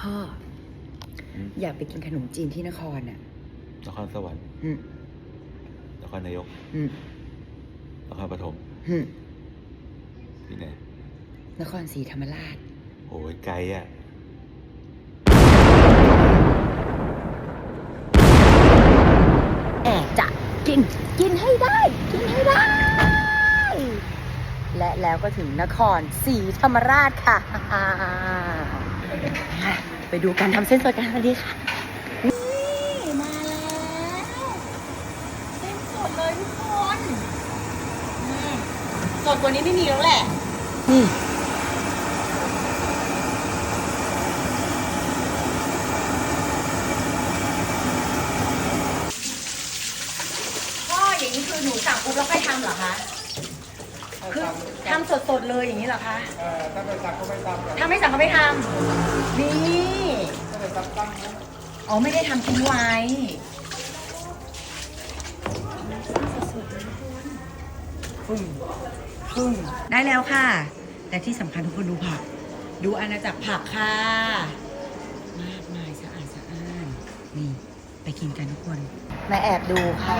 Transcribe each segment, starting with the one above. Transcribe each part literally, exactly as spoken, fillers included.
พ่ออยากไปกินขนมจีนที่นครน่ะนครสวรรค์อืมนครนายกอืมนครปฐมอืมที่ไหนนครศรีธรรมราชโอ้ยไกลอ่ะแอบจะกินกินให้ได้กินให้ได้และแล้วก็ถึงนครศรีธรรมราชค่ะไปดูการทำเส้นสดกันวันนี้ค่ะนี่มาแล้วเส้นสดเลยทุกคนสดกว่านี้ไม่มีแล้วแหละนี่พ่ออย่างนี้คือหนูสั่งปุ๊บแล้วค่อยทำเหรอคะคือทำสดๆเลยอย่างนี้เหรอคะเออถ้าไม่สั่งก็ไม่ทำถ้าไม่สั่งก็ไม่ทำนี่ถ้าไม่สั่งตั้งนะอ๋อไม่ได้ทำทิ้งไว้ปึ้งปึ้งได้แล้วค่ะแต่ที่สำคัญทุกคนดูผักดูอาณาจักรผักค่ะมากมายสะอาดสะอ้านนี่ไปกินกันทุกคนมาแอบดูค่ะ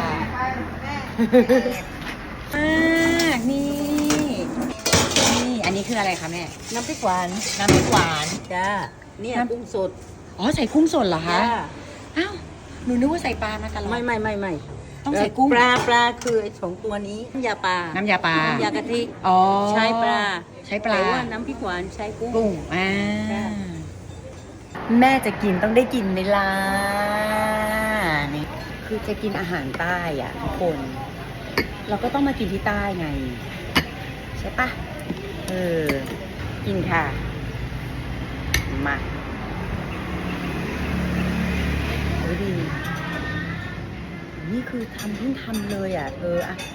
มากนี่นี่อันนี้คืออะไรคะแม่น้ำพริกหวานน้ำพริกหวานจ้าเนี่ยกุ้งสดอ๋อใส่กุ้งสดเหรอคะจ้าอ้าวหนูนึกว่าใส่ปลามาตลอดไม่ไม่ไม่ไม่ต้องใส่กุ้งปลาปลาคือไอ้สองตัวนี้น้ำยาปลาน้ำยาปลาน้ำยากะทิอ๋อใช้ปลาใช้ปลาแต่ว่าน้ำพริกหวานใช้กุ้งกุ้งอ่าแม่จะกินต้องได้กินไหมล่ะนี่คือจะกินอาหารใต้อ่ะทุกคนเราก็ต้องมากินที่ใต้ไงใช่ปะเออกินค่ะมาโอ้ดีนี่คือทำเพิ่งทำเลยอ่ะเธออ่ะ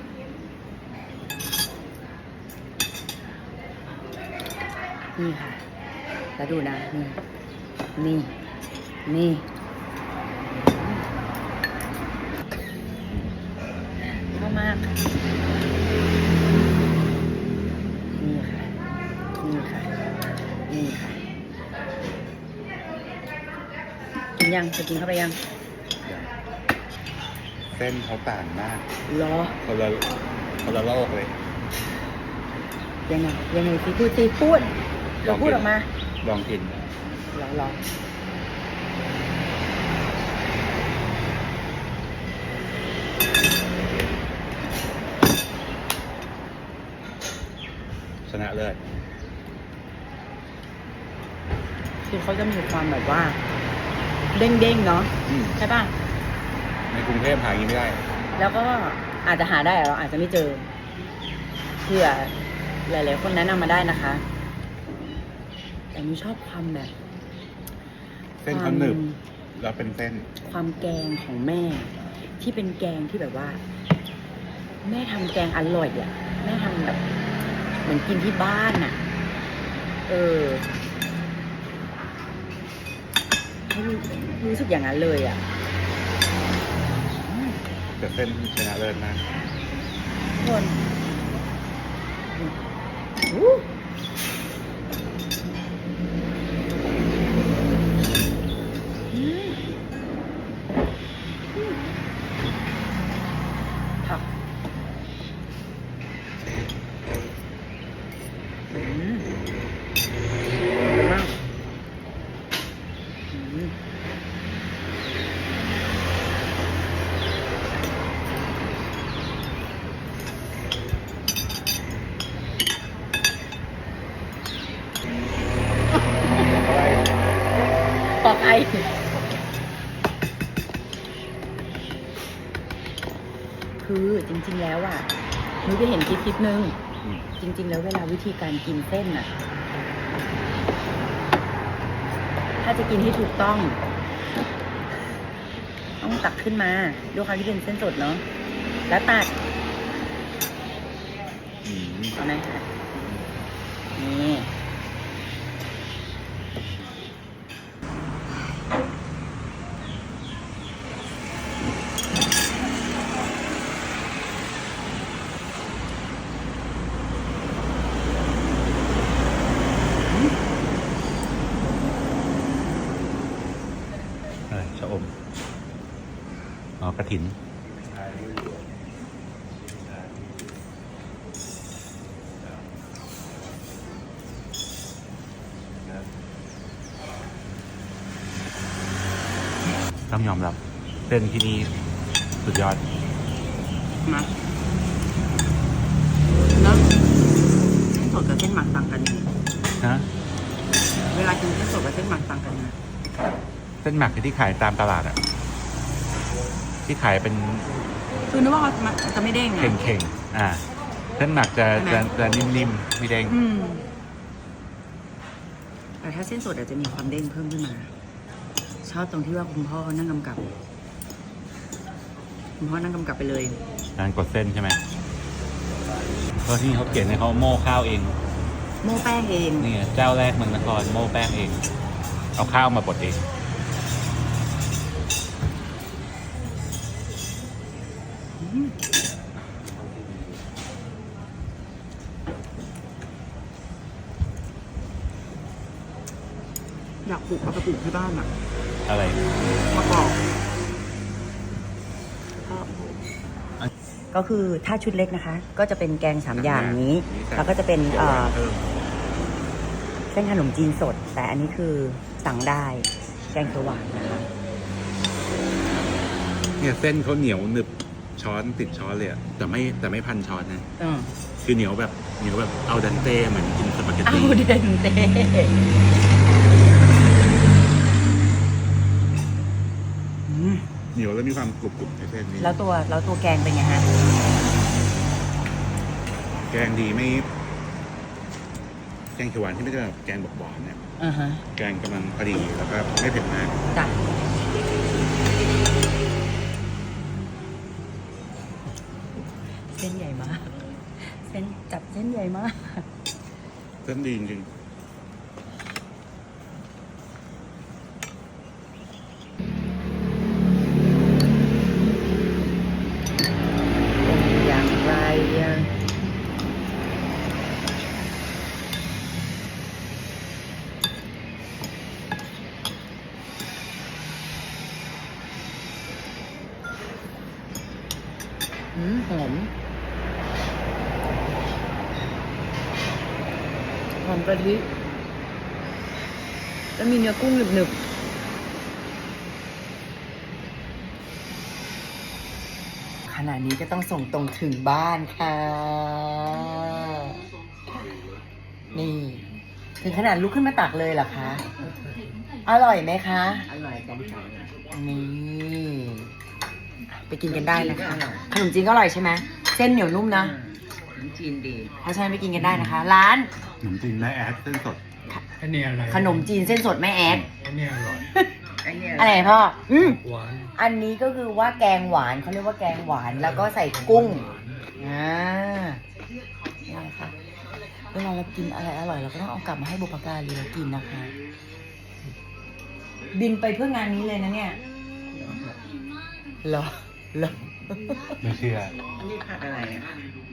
นี่ค่ะแล้วดูนะนี่นี่นี่ชอบมากนี่ค่ะนี่ค่ะนี่ค่ะกินยังจะกินเข้าไปยังเส้นเขาต่างมากรอคนละคนละโลกเลยยังไงยังไงสิพูดสิพูดเราพูดออกมาลองกินลองลองชนะเลิศคือเขาจะมีความแบบว่าเด้งๆเนาะใช่ป่ะในกรุงเทพหากินไม่ได้แล้วก็อาจจะหาได้เราอาจจะไม่เจอเผื่อหลายๆคนแนะนำมาได้นะคะแต่หนูชอบความแบบเส้นเขาหนึบแล้วเป็นเส้นความแกงของแม่ที่เป็นแกงที่แบบว่าแม่ทำแกงอร่อยอ่ะแม่ทำแบบเหมือนกินที่บ้านอ่ะเออรู้สึกอย่างนั้นเลยอ่ะแต่เส้นชนะเลิศมากคนผักอืมดีมากอืมปอกไอคือจริงๆแล้วอ่ะหนูไปเห็นคลิปคลิปนึงจริงๆแล้วเวลาวิธีการกินเส้นอ่ะถ้าจะกินให้ถูกต้องต้องตักขึ้นมาด้วยความที่เป็นเส้นสดเนาะแล้วตัดเอาไหมคะนี่ชะอม อ๋อ กระถิน ต้องยอมรับเส้นที่นี่สุดยอดนะแล้วเส้นสดกับเส้นหมักต่างกันยังไงนะเวลากินเส้นสดกับเส้นหมักต่างกันนะเส้นหมักที่ขายตามตลาดอะที่ขายเป็นคือนึกว่าเขามันจะไม่เด้งไงเข่งๆ อ่า เส้นหมักจะใช่ไหมจะจะนิ่มๆ ไม่เด้งอืมแต่ถ้าเส้นสดอาจจะมีความเด้งเพิ่มขึ้นมา ชอบตรงที่ว่าคุณพ่อนั่งกำกับ คุณพ่อนั่งกำกับไปเลยการกดเส้นใช่ไหมเพราะที่เขาเขียนในเขาโม่ข้าวเองโม่แป้งเองนี่ไงเจ้าแรกเมืองนครโม่แป้งเอง เอาข้าวมาบดเองอยากปลูกเอาไปปลูกที่บ้านอ่ะอะไรมะกอกก็คือถ้าชุดเล็กนะคะ ก็จะเป็นแกงสามอย่างนี้ แล้วก็จะเป็นเอ่อเส้นขนมจีนสด แต่อันนี้คือสั่งได้ แกงเขียวหวานนะคะเนี่ยเส้นเขาเหนียวหนึบช้อนติดช้อนเลยอะแต่ไม่แต่ไม่พันช้อนนะอืมคือเหนียวแบบเหนียวแบบเอาดันเต้เหมือนกินสปาเกตเอาตี้เดนเต้อืมเหนียวแล้วมีความกรุบกรุบในเส้นนี้แล้วตัวแล้วตัวแกงเป็นไงฮะแกงดีไม่ แกงเขียวหวานที่ไม่ใช่แบบแกงบอกหวานเนี่ยอ่าฮะแกงกำลังพอดีแล้วก็ไม่เผ็ดมากจ้ะเส้นใหญ่มาก เส้นจับเส้นใหญ่มากเส้นดีจริงอย่างไรอ่ะอืมหอมหอมกะทิแล้วมีเนื้อกุ้งหนึบๆขณะนี้ก็ต้องส่งตรงถึงบ้านค่ะ นี่ ถึงขนาดลุกขึ้นมาตักเลยเหรอคะ อร่อยไหมคะอร่อยจังจังนี่ ไปกินกันได้นะคะ ขนมจีนก็อร่อยใช่ไหม เส้นเหนียวนุ่มนะขนมจีนดีเพราะฉะนั้นไปกินกันได้นะคะ ร้านๆขนมจีนแม่แอดเส้นสดอันนี้อะไรขนมจีนเส้นสดแม่แอดอันนี้อร่อยอันเนี้ยอะไรพ่อ อืมหวานอันนี้ก็คือว่าแกงหวานเขาเรียกว่าแกงหวานแล้วก็ใส่กุ้ง อ่านี่แหละค่ะ เวลาเรากินอะไรอร่อยเราก็ต้องเอากลับมาให้บุพการีเรากินนะคะ บินไปเพื่องานนี้เลยนะเนี่ยเหรอเหรอไม่เชื่ออันนี้ผักอะไรอ่ะ